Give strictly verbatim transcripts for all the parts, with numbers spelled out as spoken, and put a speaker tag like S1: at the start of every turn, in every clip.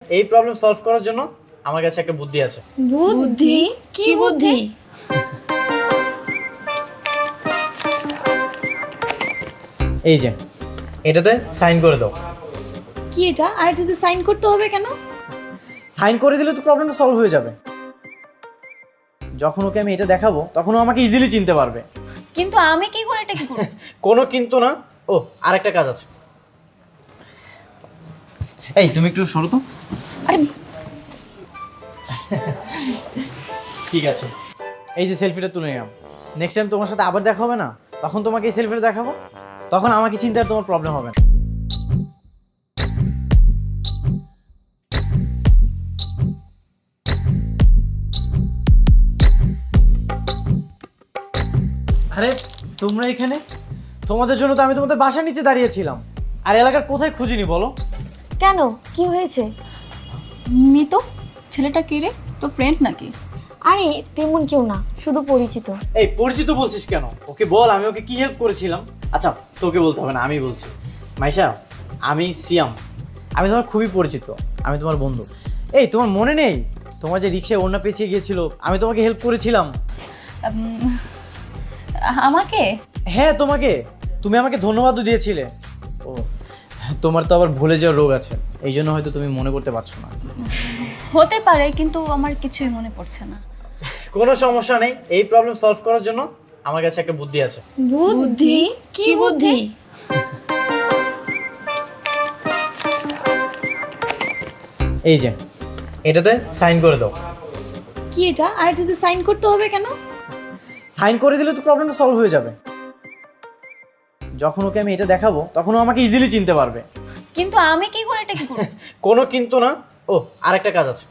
S1: এই problem solve করার জন্য আমার কাছে একটা বুদ্ধি আছে।
S2: বুদ্ধি? কি বুদ্ধি?
S1: এই যে এটাতে সাইন করে দাও।
S2: কি এটা? আর এটাতে সাইন করতে হবে কেন?
S1: সাইন করে দিলে তো প্রবলেমটা সলভ হয়ে যাবে। যখন ওকে আমি এটা দেখাবো তখন ও আমাকে ইজিলি চিনতে পারবে।
S2: কিন্তু আমি কি করে এটা কি করব?
S1: কোনো কিন্তু না। ও আরেকটা কাজ আছে। এই তুমি একটু সরো তো।
S2: আরে
S1: ঠিক আছে, এই যে সেলফিটা তুলে নিলাম। নেক্সট টাইম তোমার সাথে আবার দেখা হবে না, তখন তোমাকে এই সেলফিটা দেখাবো, তখন আমাকে চিন্তার তোমার প্রবলেম হবে না। আরে তোমরা এখানে? তোমাদের জন্য তো আমি তোমাদের বাসার নিচে দাঁড়িয়েছিলাম, আর এলাকার কোথায় খুঁজিনি বলো?
S2: কেন, কি হয়েছে?
S3: মিতু, ছেলেটা কে রে? তোর ফ্রেন্ড নাকি?
S2: আরে তেমন কেউ না, শুধু পরিচিত।
S1: এই পরিচিত বলছিস কেন? ওকে বল আমি ওকে কি হেল্প করেছিলাম। আচ্ছা তোকে বলতে হবে না, আমি বলছি। মাইশা, আমি সিয়াম, আমি তোমার খুবই পরিচিত, আমি তোমার বন্ধু। এই তোমার মনে নেই তোমার যে রিক্সায় ওড়না পেঁচিয়ে গিয়েছিল, আমি তোমাকে হেল্প করেছিলাম?
S3: উম, আমাকে?
S1: হ্যাঁ তোমাকে, তুমি আমাকে ধন্যবাদও দিয়েছিলে। ও তোমার তো আবার ভুলে যাওয়ার রোগ আছে, এই জন্য হয়তো তুমি মনে করতে পারছো না।
S3: হতে পারে, কিন্তু আমার কিছুই মনে পড়ছে না।
S1: কোনো সমস্যা নেই, এই প্রবলেম সলভ করার জন্য আমার কাছে একটা বুদ্ধি আছে।
S2: বুদ্ধি? কি বুদ্ধি?
S1: এই যে এটাতে সাইন করে দাও।
S2: কি এটা? আর এটাতে সাইন করতে হবে কেন?
S1: সাইন করে দিলে তো প্রবলেমটা সলভ হয়ে যাবে। যখন ওকে আমি এটা দেখাবো তখন ও আমাকে ইজিলি চিনতে পারবে।
S3: কিন্তু আমি কি করে এটা কি করব?
S1: কোনো কিন্তু না। ও আরেকটা কাজ আছে।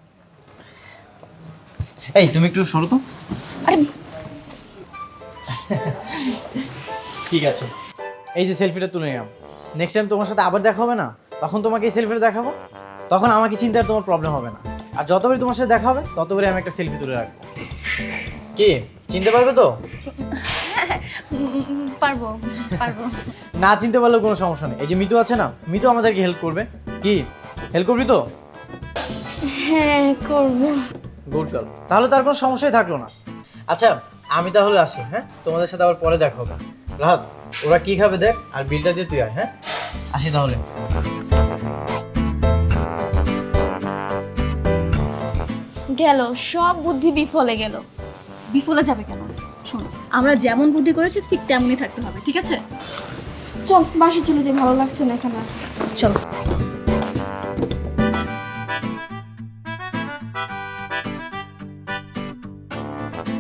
S1: এই তুমি একটু সরো তো।
S2: আরে
S1: ঠিক আছে, এই যে সেলফিটা তুলে নিলাম। নেক্সট টাইম তোমার সাথে আবার দেখা হবে না, তখন তোমাকে এই সেলফিটা দেখাবো, তখন আমাকে চিন্তার তোমার প্রবলেম হবে না। আর যতবারই তোমার সাথে দেখা হবে ততবারই আমি একটা সেলফি তুলে রাখবো। কি চিনতে পারবে তো?
S3: উম, পারবো পারবো।
S1: না চিনতে পারলেও কোনো সমস্যা নেই। এই যে মিতু আছে না, মিতু আমাদেরকে হেল্প করবে। কি হেল্প করবি তো?
S2: হ্যাঁ করব।
S1: গুড গার্ল, তাহলে তার কোনো সমস্যাই থাকলো না। আচ্ছা আমি তাহলে আসি, হ্যাঁ তোমাদের সাথে আবার পরে দেখা হবে। রাহাত, ওরা কি খাবে দেখ, আর বিলটা দিয়ে তুই আয়। হ্যাঁ আসি তাহলে।
S2: গেল, সব বুদ্ধি বিফলে গেল।
S3: বিফলে যাবে কেন? শোন, আমরা যেমন বুদ্ধি করেছি ঠিক তেমনই থাকতে হবে, ঠিক আছে?
S2: চল বাসে চলে যাই, ভালো লাগছে না এখানে।
S3: চল।